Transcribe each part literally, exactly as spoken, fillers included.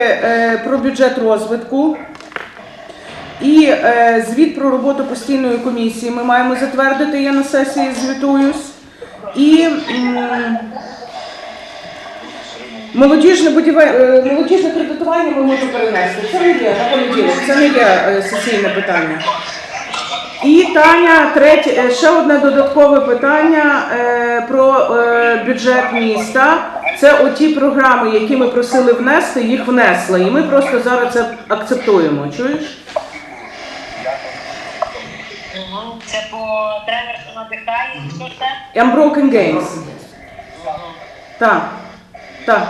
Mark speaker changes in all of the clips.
Speaker 1: Про бюджет розвитку і е, звіт про роботу постійної комісії ми маємо затвердити, я на сесії звітуюсь. І м, молодіжне, будівель... молодіжне кредитування ми можемо перенести. Це не є на понеділок, це не є е, сесійне питання. І Таня, третє, ще одне додаткове питання е, про е, бюджет міста. Це оті програми, які ми просили внести, їх внесли. І ми просто зараз це акцептуємо. Чуєш?
Speaker 2: Це по тренер, що надихає, що це?
Speaker 1: Unbroken Games. Так. Так.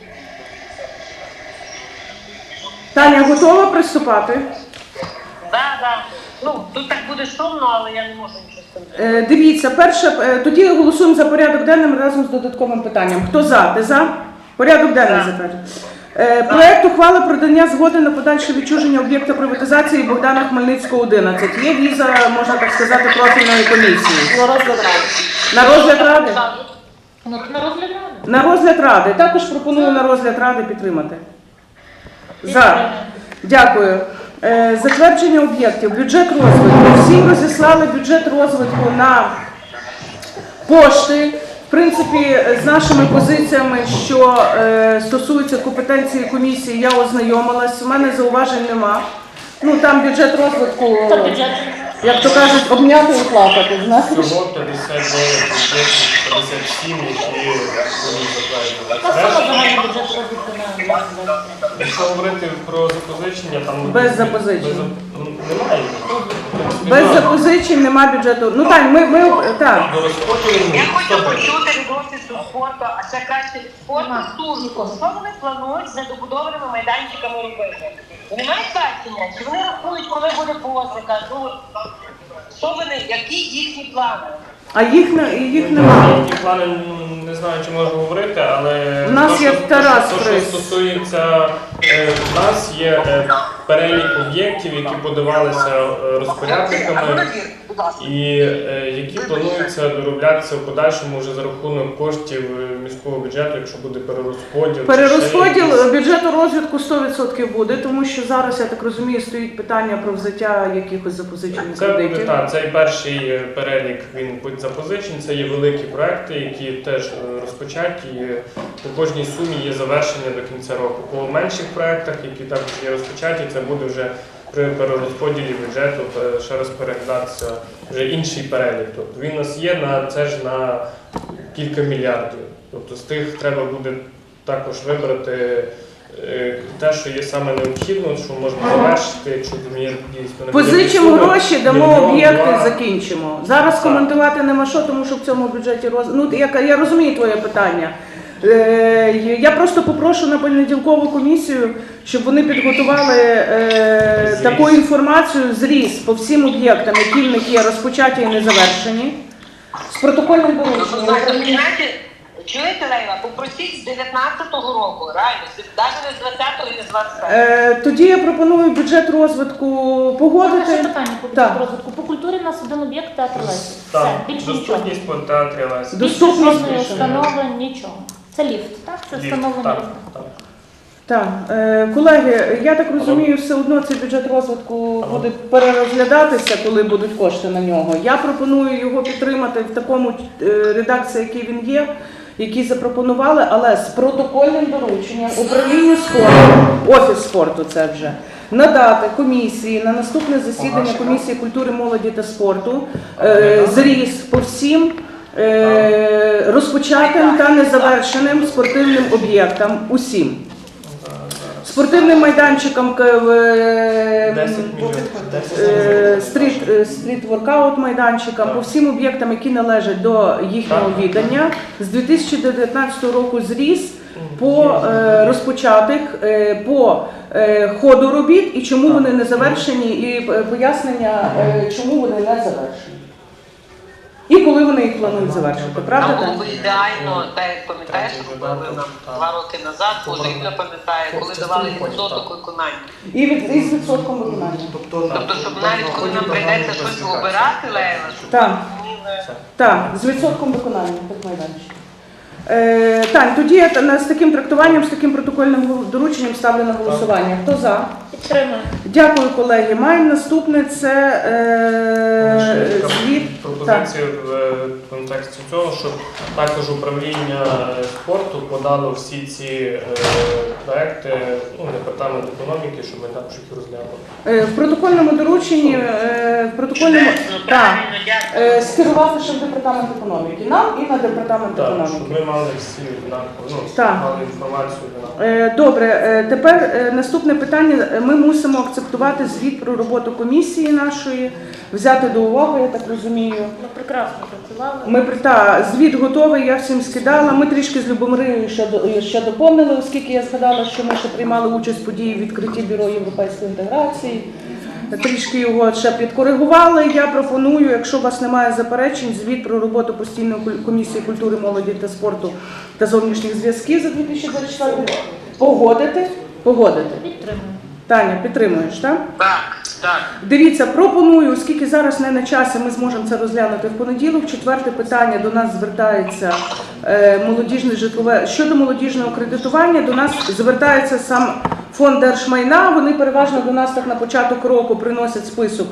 Speaker 1: Таня, готова приступати?
Speaker 2: Так, так. Ну, тут так буде шумно, але я не можу нічого з цим.
Speaker 1: Е, дивіться, перше, е, тоді голосуємо за порядок денним разом з додатковим питанням. Хто за? Ти за? Порядок денний затверджує. Е, проект ухвали про дання згоди на подальше відчуження об'єкта приватизації Богдана Хмельницького, одинадцять. Є віза, можна так сказати, профільної комісії.
Speaker 2: На розгляд ради.
Speaker 1: На розгляд ради?
Speaker 2: Ну, на розгляд ради.
Speaker 1: На розгляд ради. Також пропоную на розгляд ради підтримати. За. Дякую. Е, затвердження об'єктів. Бюджет розвитку. Всім розіслали бюджет розвитку на пошти. В принципі, з нашими позиціями, що е, стосуються компетенції комісії, я ознайомилась. У мене зауважень нема. Ну, там бюджет розвитку, як то кажуть, обняти і плакати, знаєш?
Speaker 3: Всього п'ятдесят дев'ять об'єктів, п'ятдесят сім, які будуть затверджені. Якщо говорити про запозичення, там...
Speaker 1: Без запозичень.
Speaker 3: Без, немає.
Speaker 1: Без запозичень нема бюджету. Ну, Тань, ми, ми, так.
Speaker 3: До розподілу
Speaker 2: Я хочу
Speaker 3: сто
Speaker 2: почути від офісу спорту, а ще краще від спорту Стужнику. Що вони планують з недобудованими майданчиками робити? Вони мають бачення? Чи вони рахують, коли буде посика? Ну, що вони, які їхні плани?
Speaker 1: А їх, не- їх немає.
Speaker 3: Які плани, не знаю, чи можу говорити, але...
Speaker 1: У нас
Speaker 3: то,
Speaker 1: є
Speaker 3: що-
Speaker 1: Тарас
Speaker 3: то, що
Speaker 1: Фрис.
Speaker 3: стосується... е, У нас є е, перелік об'єктів, які подавалися е, розпорядниками і е, які плануються дороблятися в подальшому вже за рахунок коштів е, міського бюджету, якщо буде перерозподіл. чи ще
Speaker 1: Перерозподіл
Speaker 3: якісь.
Speaker 1: бюджету розвитку сто відсотків буде, тому що зараз, я так розумію, стоїть питання про взяття якихось запозичених
Speaker 3: Це,
Speaker 1: кредитів.
Speaker 3: та, цей перший е, перелік, він під запозичень, це є великі проекти, які теж е, розпочаті, і по кожній сумі є завершення до кінця року. По менших проектах, які також є розпочаті, це буде вже при перерозподілі бюджету е, ще раз переглядатися вже інший перелік. Тобто він у нас є на це ж на кілька мільярдів. Тобто з тих треба буде також вибрати е, те, що є саме необхідно, що можна завершити, якщо там є дійсно...
Speaker 1: Позичимо
Speaker 3: суми,
Speaker 1: гроші, дамо
Speaker 3: мільйон,
Speaker 1: об'єкти,
Speaker 3: два.
Speaker 1: закінчимо. Зараз
Speaker 3: Так.
Speaker 1: коментувати нема що, тому що в цьому бюджеті роз... Ну, я, я розумію твоє питання. Е, я просто попрошу на понеділкову комісію, щоб вони підготували е,
Speaker 3: Зріз.
Speaker 1: таку інформацію, зріз по всім об'єктам, які в них є розпочаті і не завершені, з протокольним дорученням.
Speaker 2: Знаєте, чуєте, Лейла, попросіть з дев'ятнадцятого року, реально, навіть не з двадцятого і не з двадцять третього.
Speaker 1: Е, тоді я пропоную бюджет розвитку погодити.
Speaker 4: Ще питання по
Speaker 1: Так.
Speaker 4: бюджету розвитку. По культурі у нас один об'єкт театр Лесі. Все,
Speaker 3: Так,
Speaker 4: більше нічого.
Speaker 3: доступність по театрі Лесі.
Speaker 1: До-
Speaker 4: Більше
Speaker 1: Доступність
Speaker 4: жодної
Speaker 1: більше.
Speaker 4: установи, нічого. Це ліфт, так? Це
Speaker 3: Ліфт,
Speaker 4: встановлення
Speaker 3: так,
Speaker 4: ліфта.
Speaker 3: так.
Speaker 1: Так, е, колеги, я так розумію, все одно цей бюджет розвитку буде перерозглядатися, коли будуть кошти на нього. Я пропоную його підтримати в такому е, редакції, який він є, який запропонували, але з протокольним дорученням управлінню спорту, офіс спорту це вже, надати комісії на наступне засідання комісії культури, молоді та спорту е, зріз по всім е, розпочатим та незавершеним спортивним об'єктам усім. Спортивним майданчиком, к- в, е,
Speaker 3: десять мільйонів.
Speaker 1: е, стріт, е, стріт-воркаут майданчикам, по всім об'єктам, які належать до їхнього віддання, з дві тисячі дев'ятнадцятого року зріс по е, розпочатих, е, по е, ходу робіт і чому вони не завершені, і е, пояснення, е, чому вони не завершені. І коли вони їх планують завершити, правда?
Speaker 2: Нам було
Speaker 1: так?
Speaker 2: б ідеально, так як пам'ятаєш, що робили нам два роки назад, може Ігор пам'ятає, коли давали відсоток виконання.
Speaker 1: І від, і з відсотком виконання.
Speaker 2: Тобто, щоб навіть коли нам прийдеться щось обирати, Лейла, щоб
Speaker 1: Так.
Speaker 2: ми не...
Speaker 1: Так, з відсотком виконання тих майданчиків. Е, Тань, тоді я та- на- з таким трактуванням, з таким протокольним гол- дорученням ставлю на голосування. Хто за?
Speaker 4: Підтримую.
Speaker 1: Дякую, колеги. Маємо наступне, це е,
Speaker 3: Ще така
Speaker 1: звіт. Так.
Speaker 3: пропозиція в е, контексті цього, щоб також управління спорту подало всі ці е, проекти, ну, департамент економіки, щоб ми також їх розглянули.
Speaker 1: Е, В протокольному дорученні, е, в протокольному так,
Speaker 2: Правильно, дякую.
Speaker 1: е, скерувати ще в департамент економіки. Нам і на департамент
Speaker 3: Так,
Speaker 1: економіки.
Speaker 3: щоб ми мали всі однаково, ну,
Speaker 1: Так.
Speaker 3: мали інформацію однаково.
Speaker 1: Е, Добре, е, тепер е, наступне питання. Ми мусимо акцептувати звіт про роботу комісії нашої, взяти до уваги, я так розумію.
Speaker 4: Ми прекрасно працювали.
Speaker 1: Ми при- та, звіт готовий, я всім скидала. Ми трішки з Любомирою ще, до- ще доповнили, оскільки я згадала, що ми ще приймали участь в події відкритті Бюро європейської інтеграції. Трішки його ще підкоригували. Я пропоную, якщо у вас немає заперечень, звіт про роботу постійної куль- комісії культури, молоді та спорту та зовнішніх зв'язків за дві тисячі двадцять четвертий рік погодити. Погодити.
Speaker 4: Підтримую.
Speaker 1: Таня, підтримуєш, так?
Speaker 2: Так, так.
Speaker 1: Дивіться, пропоную, оскільки зараз не на часі, ми зможемо це розглянути в понеділок. Четверте питання до нас звертається е, молодіжне житлове щодо молодіжного кредитування. До нас звертається сам фонд держмайна. Вони переважно до нас так на початок року приносять список,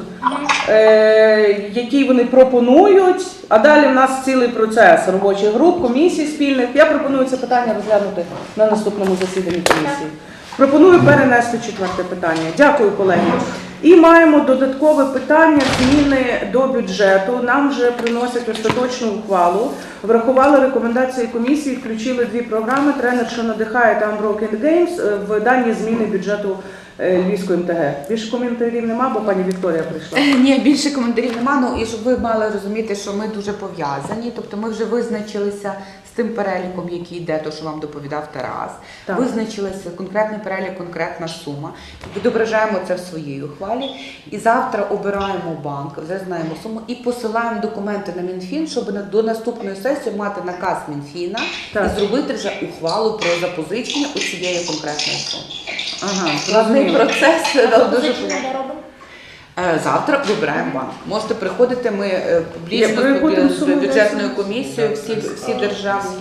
Speaker 1: е, який вони пропонують. А далі в нас цілий процес робочих груп, комісій спільних. Я пропоную це питання розглянути на наступному засіданні комісії. Пропоную перенести четверте питання. Дякую, колеги. І маємо додаткове питання зміни до бюджету. Нам вже приносять остаточну ухвалу. Врахували рекомендації комісії, включили дві програми «Тренер, що надихає» та «Unbroken Games» в дані зміни бюджету е, Львівської ем те ге. Більше коментарів нема, бо пані Вікторія прийшла.
Speaker 5: Ні, більше коментарів нема. Ну і щоб ви мали розуміти, що ми дуже пов'язані. Тобто ми вже визначилися з тим переліком, який йде, то що вам доповідав Тарас.
Speaker 1: Так.
Speaker 5: Визначилися конкретний перелік, конкретна сума. Відображаємо це в своїй ухвалі. І завтра обираємо банк, вже знаємо суму, і посилаємо документи на Мінфін, щоб на- до наступної сесії мати наказ Мінфіна
Speaker 1: Так.
Speaker 5: і зробити вже ухвалу про запозичення у цієї конкретної суми.
Speaker 1: Ага,
Speaker 5: Складний
Speaker 1: зрозуміло.
Speaker 5: процес, але дуже
Speaker 4: Запозичення де робимо?
Speaker 5: Е, Завтра вибираємо банк. Можете приходити, ми е, публічно
Speaker 1: Я переходимо
Speaker 5: з
Speaker 1: суму
Speaker 5: бюджетною
Speaker 1: десять.
Speaker 5: комісією, всі, всі державні,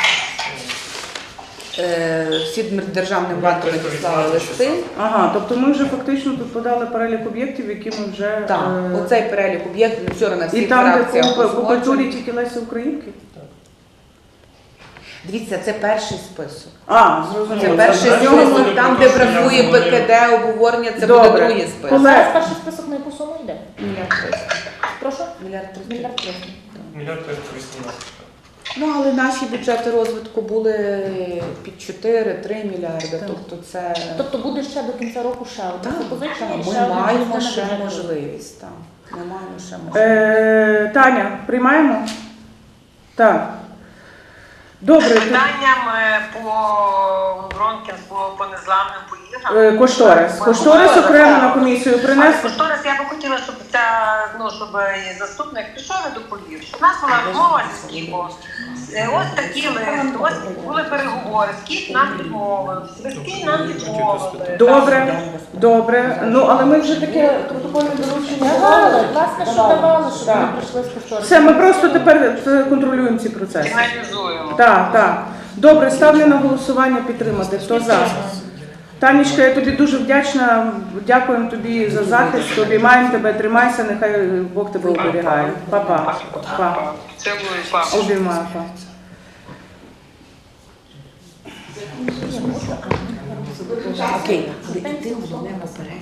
Speaker 5: е, всі державним банкам надіслали листи.
Speaker 1: Ага, тобто ми вже фактично тут подали перелік об'єктів, які ми вже...
Speaker 5: Так,
Speaker 1: е,
Speaker 5: оцей перелік об'єктів вчора на
Speaker 1: І
Speaker 5: всіх
Speaker 1: там, де
Speaker 5: фракціях
Speaker 1: по, по культурі
Speaker 5: узгоджений.
Speaker 1: тільки Лесі Українки?
Speaker 5: Дивіться, це перший список.
Speaker 1: А,
Speaker 5: Це
Speaker 1: зрозуміло.
Speaker 5: перший
Speaker 3: це
Speaker 5: список,
Speaker 3: буде
Speaker 5: там,
Speaker 3: про
Speaker 5: де
Speaker 3: те, що я
Speaker 5: бракує
Speaker 3: говорив.
Speaker 5: Пе Ке Де, обговорення, це буде
Speaker 1: Добре.
Speaker 5: другий список.
Speaker 1: Олег.
Speaker 4: Зараз перший список на яку суму йде?
Speaker 5: Мільярд триста.
Speaker 4: Прошу?
Speaker 5: Мільярд триста.
Speaker 4: Мільярд триста.
Speaker 3: Мільярд триста вісімнадцять.
Speaker 5: Ну, але наші бюджети розвитку були під чотири-три мільярди, тобто це...
Speaker 4: Тобто буде ще до кінця року ще одне
Speaker 5: Так,
Speaker 4: запозичення і
Speaker 5: так,
Speaker 4: ще
Speaker 5: ми
Speaker 4: одна
Speaker 5: маємо
Speaker 4: частина
Speaker 5: ще
Speaker 4: бюджету.
Speaker 5: можливість. Так. Ми маємо ще можливість.
Speaker 1: Е, Таня, приймаємо? Так. Добре. то-
Speaker 2: Питанням е, по Бронкінс, по, по незламним поїздам.
Speaker 1: е, Кошторис. Кошторис окремо на комісію
Speaker 2: Але
Speaker 1: принесли.
Speaker 2: кошторис я би хотіла, щоб ця, ну, щоб і заступник пішов і доповів. Щоб у нас була розмова зі Скіпом. Е, Ось такі лист, ось були переговори, Скіп нам відмовив, Свистки нам відмовили.
Speaker 1: Добре, добре. Ну, але ми вже таке протокольне доручення
Speaker 4: Давали,
Speaker 1: давали.
Speaker 4: власне, що
Speaker 1: Давали.
Speaker 4: давали, щоб
Speaker 1: Так.
Speaker 4: вони прийшли з кошторисом.
Speaker 1: Все, ми просто тепер е, контролюємо ці процеси.
Speaker 2: Фіналізуємо.
Speaker 1: Так, так. Добре, ставлю на голосування підтримати. Хто за? Танечка, я тобі дуже вдячна. Дякуємо тобі за захист. Обіймаємо тебе, тримайся, нехай Бог тебе оберігає. Па-па. Па.
Speaker 2: Цілую, папа.
Speaker 1: Обіймаю. Па.
Speaker 5: Окей, але йти головне наперед.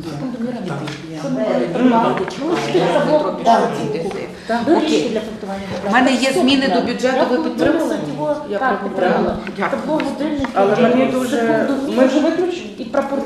Speaker 4: Доріжки
Speaker 5: Окей.
Speaker 4: для фехтування.
Speaker 5: У мене є зміни до бюджету, ви підтримали?
Speaker 4: Я
Speaker 5: Я
Speaker 4: підтримала.
Speaker 5: Дякую.
Speaker 4: Табло годинників.
Speaker 1: Але мені дуже...
Speaker 4: секундомір
Speaker 1: Ми вже виключили?
Speaker 4: І прапор